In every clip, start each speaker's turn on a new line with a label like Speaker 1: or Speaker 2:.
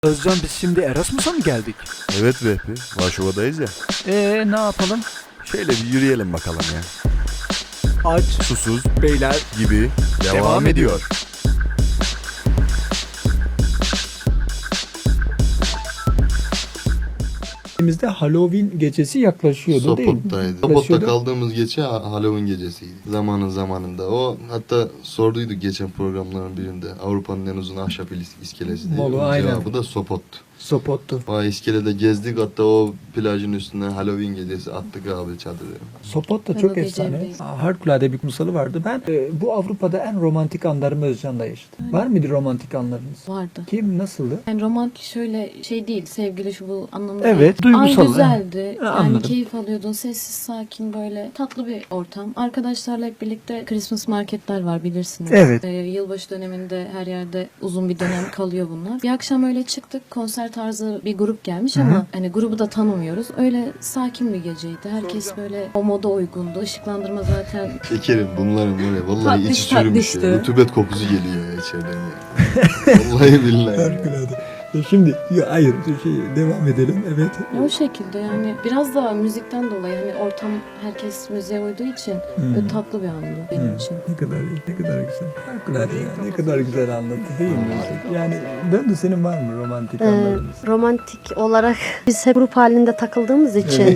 Speaker 1: Özcan, biz şimdi Erasmus'a mı geldik?
Speaker 2: Evet Vehbi, Varşova'dayız ya.
Speaker 1: Ne yapalım?
Speaker 2: Şöyle bir yürüyelim bakalım ya.
Speaker 1: Aç,
Speaker 2: Susuz
Speaker 1: beyler.
Speaker 2: gibi devam ediyor.
Speaker 1: Elimizde Halloween gecesi yaklaşıyordu değil mi?
Speaker 3: Sopot'taydı. Sopot'ta kaldığımız gece Halloween gecesiydi. Zamanında. O hatta sorduydu geçen programların birinde. Avrupa'nın en uzun ahşap iskelesi diye.
Speaker 1: Molu,
Speaker 3: Onun
Speaker 1: aynen.
Speaker 3: cevabı da Sopot'tu.
Speaker 1: Sopot'tu.
Speaker 3: O iskelede gezdik, hatta o plajın üstüne Halloween gecesi attık abi çadırı.
Speaker 1: Sopot da
Speaker 4: Ben
Speaker 1: çok
Speaker 4: o gece
Speaker 1: efsane.
Speaker 4: evdeydim.
Speaker 1: Harikulade bir kumsalı vardı. Ben bu Avrupa'da en romantik anlarımı Özcan'da yaşadım. Var mıydı romantik anlarınız?
Speaker 4: Vardı.
Speaker 1: Kim, nasıldı?
Speaker 4: Yani romantik şöyle şey değil, sevgili şu bu anlamda
Speaker 1: Evet,
Speaker 4: değil.
Speaker 1: duygusal.
Speaker 4: An güzeldi. Yani
Speaker 1: Anladım.
Speaker 4: keyif alıyordun, sessiz, sakin, böyle tatlı bir ortam. Arkadaşlarla hep birlikte Christmas marketler var, bilirsiniz.
Speaker 1: Evet.
Speaker 4: Yılbaşı döneminde her yerde uzun bir dönem kalıyor bunlar. Bir akşam öyle çıktık, konser tarzı bir grup gelmiş ama hani grubu da tanımıyoruz. Öyle sakin bir geceydi. Herkes böyle o moda uygundu. Işıklandırma zaten
Speaker 3: Şekerim bunların böyle vallahi
Speaker 4: Tatlış
Speaker 3: içi çürümüş ya.
Speaker 4: tatlıştı.
Speaker 3: Rutubet kokusu geliyor ya içeriden ya. Vallahi billahi.
Speaker 1: Harikulade. Şimdi hayır devam edelim. Evet.
Speaker 4: o şekilde yani biraz da müzikten dolayı hani ortam herkes müziğe uyduğu için böyle tatlı bir andı benim için.
Speaker 1: Ne kadar iyi, ne kadar güzel. Harikulade ya. Ne kadar güzel anlattı değil mi? Yani döndü, senin var mı romantik anlarınız?
Speaker 5: Romantik olarak biz hep grup halinde takıldığımız için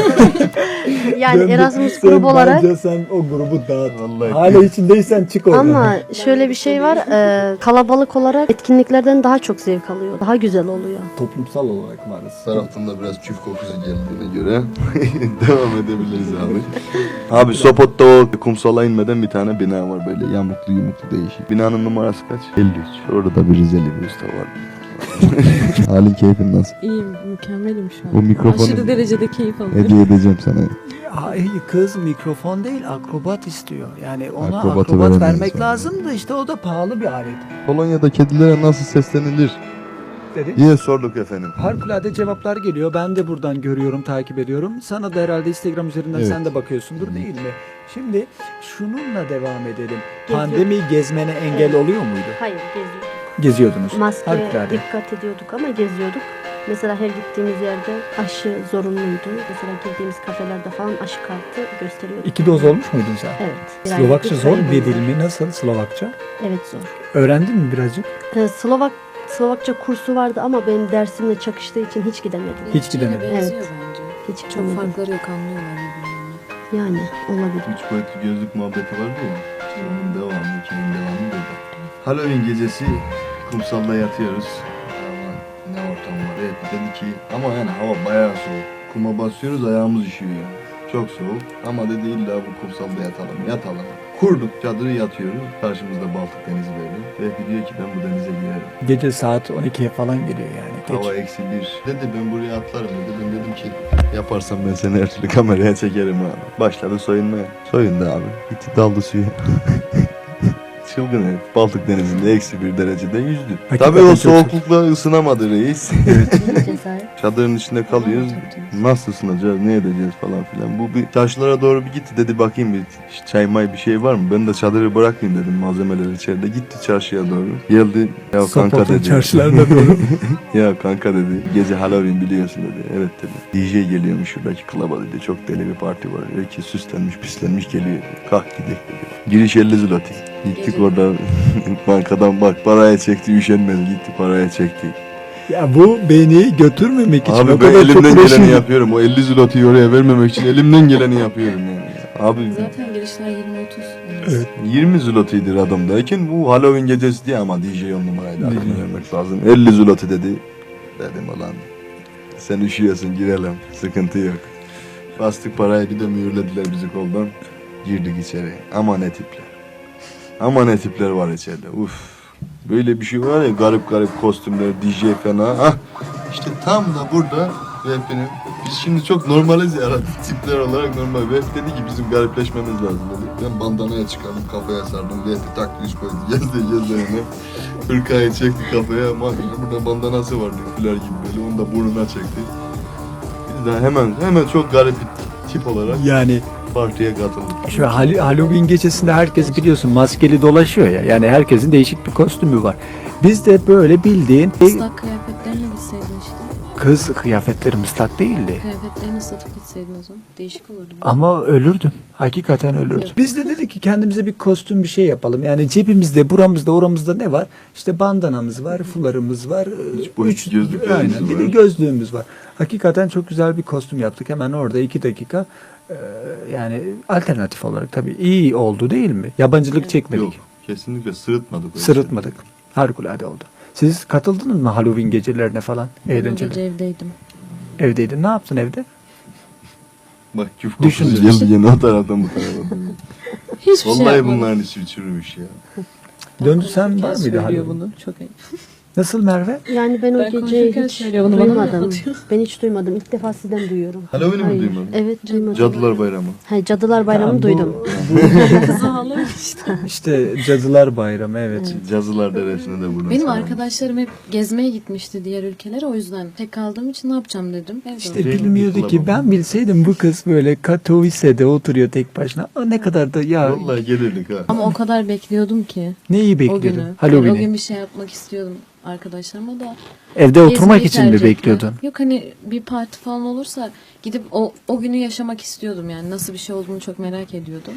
Speaker 5: yani
Speaker 1: Döndü.
Speaker 5: Erasmus
Speaker 1: Sen
Speaker 5: grubu olarak,
Speaker 1: bence sen o grubu dağıt.
Speaker 3: Vallahi.
Speaker 1: Hala içindeysen çık oradan.
Speaker 5: ama şöyle bir şey var, kalabalık olarak etkinliklerden daha çok zevk alıyor. Daha güzel oluyor.
Speaker 1: Toplumsal olarak varız.
Speaker 3: Taraftan da biraz çift kokusu geldiğine göre devam edebiliriz abi. Abi Sopot'ta o kumsala inmeden bir tane bina var, böyle yamuklu değişik. Binanın numarası kaç? 53. Orada da bir Rizeli bir usta var. Halin keyfin nasıl?
Speaker 4: İyiyim, mükemmelim şu an.
Speaker 3: O mikrofonu
Speaker 4: Aşırı derecede keyif alıyorum.
Speaker 3: hediye edeceğim sana.
Speaker 1: Hayır, kız mikrofon değil, akrobat istiyor. Yani ona
Speaker 3: Akrobatı
Speaker 1: akrobat
Speaker 3: veremeyiz
Speaker 1: vermek
Speaker 3: ona.
Speaker 1: lazım da işte o da pahalı bir alet.
Speaker 3: Polonya'da kedilere nasıl seslenilir
Speaker 1: Dedi.
Speaker 3: diye sorduk efendim.
Speaker 1: Harikulade cevaplar geliyor. Ben de buradan görüyorum, takip ediyorum. Sana da herhalde Instagram üzerinden
Speaker 3: Evet.
Speaker 1: sen de bakıyorsundur değil mi? Şimdi şununla devam edelim.
Speaker 5: Geziyor.
Speaker 1: Pandemi gezmene engel oluyor muydu?
Speaker 5: Hayır, geziyorduk.
Speaker 1: Geziyordunuz.
Speaker 5: Maskeye
Speaker 1: Harikulade.
Speaker 5: dikkat ediyorduk ama geziyorduk. Mesela her gittiğimiz yerde aşı zorunluydu. Mesela girdiğimiz kafelerde falan aşı kartı gösteriyordu.
Speaker 1: 2 doz olmuş muydun sen?
Speaker 5: Evet. Bir
Speaker 1: Slovakça
Speaker 5: aylık
Speaker 1: zor
Speaker 5: sayı
Speaker 1: bir
Speaker 5: boyunca.
Speaker 1: dil mi? Nasıl Slovakça?
Speaker 5: Evet, zor.
Speaker 1: Öğrendin mi birazcık?
Speaker 5: Slovakça kursu vardı ama benim dersimle çakıştığı için hiç gidemedim.
Speaker 1: Hiç gidemedim.
Speaker 4: Benziyor
Speaker 5: Evet.
Speaker 4: bence.
Speaker 5: Hiç
Speaker 4: Çok
Speaker 5: gidemedim.
Speaker 4: farkları yok, anlıyorlar birbirlerini.
Speaker 5: Yani olabilir.
Speaker 3: Üç boyutlu gözlük muhabbeti vardı ya. İşte onun devamı, hikayenin devamı burada. Halloween gecesi kumsalda yatıyoruz. Ama ne ortam var. Evet, dedi ki ama yani hava bayağı soğuk. Kuma basıyoruz, ayağımız üşüyor. Çok soğuk ama dedi illa bu kumsalda yatalım. Kurduk çadırı, yatıyoruz. Karşımızda Baltık Denizi böyle. Ve diyor ki ben bu denize girerim.
Speaker 1: Gece saat 12'ye falan geliyor yani. Geç.
Speaker 3: Hava -1. Dedi ben buraya atlarım dedi. Ben dedim ki yaparsam ben seni her türlü kameraya çekerim abi. Başladı soyunmaya. Soyundu abi. Gitti daldı suya. Çılgın herif. Baltık Denizi'nde -1 derecede yüzdü.
Speaker 1: Hakikaten
Speaker 3: Tabii o
Speaker 1: çok
Speaker 3: soğuklukla ısınamadı reis.
Speaker 5: Cesaret.
Speaker 3: Çadırın içinde kalıyoruz. Nasıl ısınacağız, ne edeceğiz falan filan. Bu bir çarşılara doğru bir gitti, dedi bakayım bir çay may bir şey var mı? Ben de çadırı bırakayım dedim, malzemeler içeride. Gitti çarşıya doğru. Geldi. Ya kanka
Speaker 1: Sopot'un
Speaker 3: dedi.
Speaker 1: çarşılarında doğru.
Speaker 3: Ya kanka dedi. Gece Halloween biliyorsun dedi. Evet dedi. DJ geliyormuş şuradaki klaba dedi. Çok deli bir parti var. Herkes süslenmiş pislenmiş geliyor dedi. Kalk gidelim dedi. Giriş 50 zloty. Gittik
Speaker 4: Gece.
Speaker 3: orada bankadan bak paraya çekti, üşenmedi gitti paraya çekti.
Speaker 1: Ya bu beni götürmemek için o
Speaker 3: Abi ben
Speaker 1: kadar çok
Speaker 3: elimden geleni
Speaker 1: uğraşıyorum.
Speaker 3: yapıyorum. O 50 zloty'yi oraya vermemek için elimden geleni yapıyorum yani. Abi
Speaker 4: Zaten girişler 20-30.
Speaker 1: Evet.
Speaker 3: 20 zloty'dir adamdayken bu Halloween gecesi diye ama DJ 10 numaraydı. Hakkını
Speaker 1: DJ.
Speaker 3: vermek lazım. 50 zloty dedi. Dedim ulan sen üşüyorsun girelim. Sıkıntı yok. Bastık parayı, bir de mühürlediler bizi koldan. Girdik içeri. Ama ne tipler. Ama ne tipler var içeride. Uf. Böyle bir şey var ya, garip garip kostümler, DJ fena. Hah. İşte tam da burada Vehbi'nin, biz şimdi çok normaliz ya tipler olarak normal. Vehbi dedi ki bizim garipleşmemiz lazım dedi. Ben bandanaya çıkardım, kafaya sardım. Vehbi taktı, üç koydu. Gezdi yani. Hırkayı çekti kafaya. Burada bandanası var diyor, gibi böyle. Onu da burnuna çekti. Biz de hemen çok garip bir tip olarak
Speaker 1: Yani
Speaker 3: partiye katıldık.
Speaker 1: şu Halloween gecesinde herkes biliyorsun maskeli dolaşıyor ya. Yani herkesin değişik bir kostümü var. Biz de böyle bildiğin
Speaker 4: Islak kıyafetlerle gitseydin işte.
Speaker 1: kız kıyafetlerim ıslak değildi.
Speaker 4: Kıyafetlerini satıp gitseydin o zaman. Değişik olurdu.
Speaker 1: Ama ölürdüm. Hakikaten ölürdüm.
Speaker 4: Yok.
Speaker 1: Biz de dedik ki kendimize bir kostüm bir şey yapalım. Yani cebimizde, buramızda, oramızda ne var? İşte bandanamız var, fularımız var.
Speaker 3: boyutlu gözlüklerimiz
Speaker 1: aynen, bir
Speaker 3: var.
Speaker 1: de gözlüğümüz var. Hakikaten çok güzel bir kostüm yaptık. Hemen orada 2 dakika. Yani alternatif olarak tabii iyi oldu değil mi? Yabancılık çekmedik.
Speaker 3: Yok. Kesinlikle sırıtmadık. öyle
Speaker 1: Sırıtmadık. Harikulade oldu. Siz katıldınız mı Halloween gecelerine falan?
Speaker 4: Ben o
Speaker 1: Eğlenceli.
Speaker 4: gece evdeydim.
Speaker 1: Evdeydin. Ne yaptın evde?
Speaker 3: şey. Bak küf
Speaker 1: Düşün.
Speaker 3: kokusu geldi yine o taraftan bu tarafa.
Speaker 4: Hiçbir şey
Speaker 3: Vallahi
Speaker 4: yapmadım.
Speaker 3: bunların içi çürümüş ya.
Speaker 1: Döndü sen var
Speaker 4: Konuşurken
Speaker 1: mıydı
Speaker 4: söylüyor
Speaker 1: Halloween?
Speaker 4: bunu. Çok ayıp.
Speaker 1: Nasıl Merve?
Speaker 5: Yani ben o
Speaker 4: Ben
Speaker 5: geceyi
Speaker 4: konuşurken
Speaker 5: hiç
Speaker 4: söylüyor, bunu bana mı
Speaker 5: duymadım.
Speaker 4: anlatıyor?
Speaker 5: Ben hiç duymadım. İlk defa sizden duyuyorum.
Speaker 3: Halloween'i mi
Speaker 5: Hayır.
Speaker 3: duymadın?
Speaker 5: Evet duymadım.
Speaker 3: Cadılar Bayramı.
Speaker 5: Ha, Cadılar Bayramı'nı
Speaker 1: Ya bu-
Speaker 5: duydum.
Speaker 4: Kızı ağlamış işte.
Speaker 1: İşte Cadılar Bayramı evet.
Speaker 3: Cazılar Deresi'ne de buradan
Speaker 4: Benim
Speaker 3: selam.
Speaker 4: arkadaşlarım hep gezmeye gitmişti diğer ülkelere. O yüzden tek kaldığım için ne yapacağım dedim. Evde
Speaker 1: İşte
Speaker 4: oturdum.
Speaker 1: bilmiyordu ki ben bilseydim bu kız böyle Katowice'de oturuyor tek başına. O ne kadar da ya
Speaker 3: Vallahi gelirdik ha.
Speaker 4: Ama o kadar bekliyordum ki
Speaker 1: neyi
Speaker 4: o
Speaker 1: bekliyordun?
Speaker 4: günü. Yani o
Speaker 1: Halloween'i.
Speaker 4: gün bir şey yapmak istiyordum arkadaşlarıma da.
Speaker 1: Evde oturmak
Speaker 4: Gezmeyi
Speaker 1: için mi
Speaker 4: tercih ettim.
Speaker 1: bekliyordun?
Speaker 4: Yok hani bir parti falan olursa gidip o günü yaşamak istiyordum yani. Nasıl bir şey olduğunu çok merak ediyordum.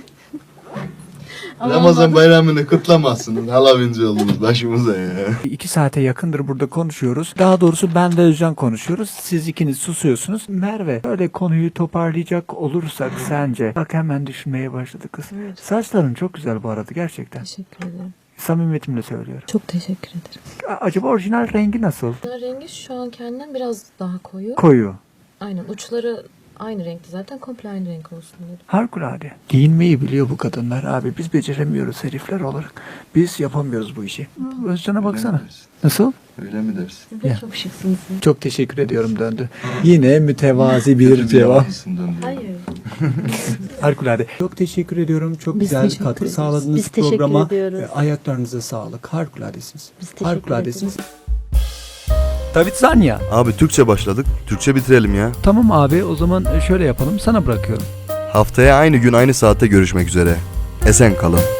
Speaker 4: Ama
Speaker 3: Ramazan
Speaker 4: olmadı.
Speaker 3: bayramını kutlamazsınız. Halloween'ci oldunuz başımıza ya.
Speaker 1: 2 saate yakındır burada konuşuyoruz. Daha doğrusu ben ve Özcan konuşuyoruz. Siz ikiniz susuyorsunuz. Merve böyle konuyu toparlayacak olursak sence? Bak hemen düşünmeye başladı kız.
Speaker 4: Evet.
Speaker 1: Saçların çok güzel bu arada gerçekten.
Speaker 4: Teşekkür ederim.
Speaker 1: Samimiyetimle söylüyorum.
Speaker 4: Çok teşekkür ederim.
Speaker 1: Acaba orijinal rengi nasıl?
Speaker 4: Rengi şu an kendinden biraz daha koyu.
Speaker 1: Koyu.
Speaker 4: Aynen uçları aynı renkti zaten, komple aynı renk olsun dedim.
Speaker 1: Harikulade. Giyinmeyi biliyor bu kadınlar abi. Biz beceremiyoruz herifler olarak. Biz yapamıyoruz bu işi. Özcan'a baksana.
Speaker 3: Öyle mi dersin?
Speaker 1: Nasıl?
Speaker 3: Öyle mi dersin?
Speaker 4: Siz de
Speaker 1: Ya.
Speaker 4: çok şıksınız.
Speaker 1: Çok teşekkür ediyorum döndü. Yine mütevazi bir
Speaker 3: Kötü
Speaker 1: cevap.
Speaker 3: yalancısın döndü.
Speaker 4: Hayır.
Speaker 1: Harikulade. Çok teşekkür ediyorum. Çok
Speaker 4: Biz
Speaker 1: güzel
Speaker 4: teşekkür
Speaker 1: katkı
Speaker 4: ederiz.
Speaker 1: sağladınız
Speaker 5: Biz teşekkür
Speaker 1: programa.
Speaker 5: ediyoruz.
Speaker 1: Ayaklarınıza sağlık. Harikuladesiniz.
Speaker 5: Biz teşekkür
Speaker 1: Harikuladesiniz. David Zanya.
Speaker 2: Abi Türkçe başladık. Türkçe bitirelim ya.
Speaker 1: Tamam abi o zaman şöyle yapalım. Sana bırakıyorum.
Speaker 2: Haftaya aynı gün aynı saatte görüşmek üzere. Esen kalın.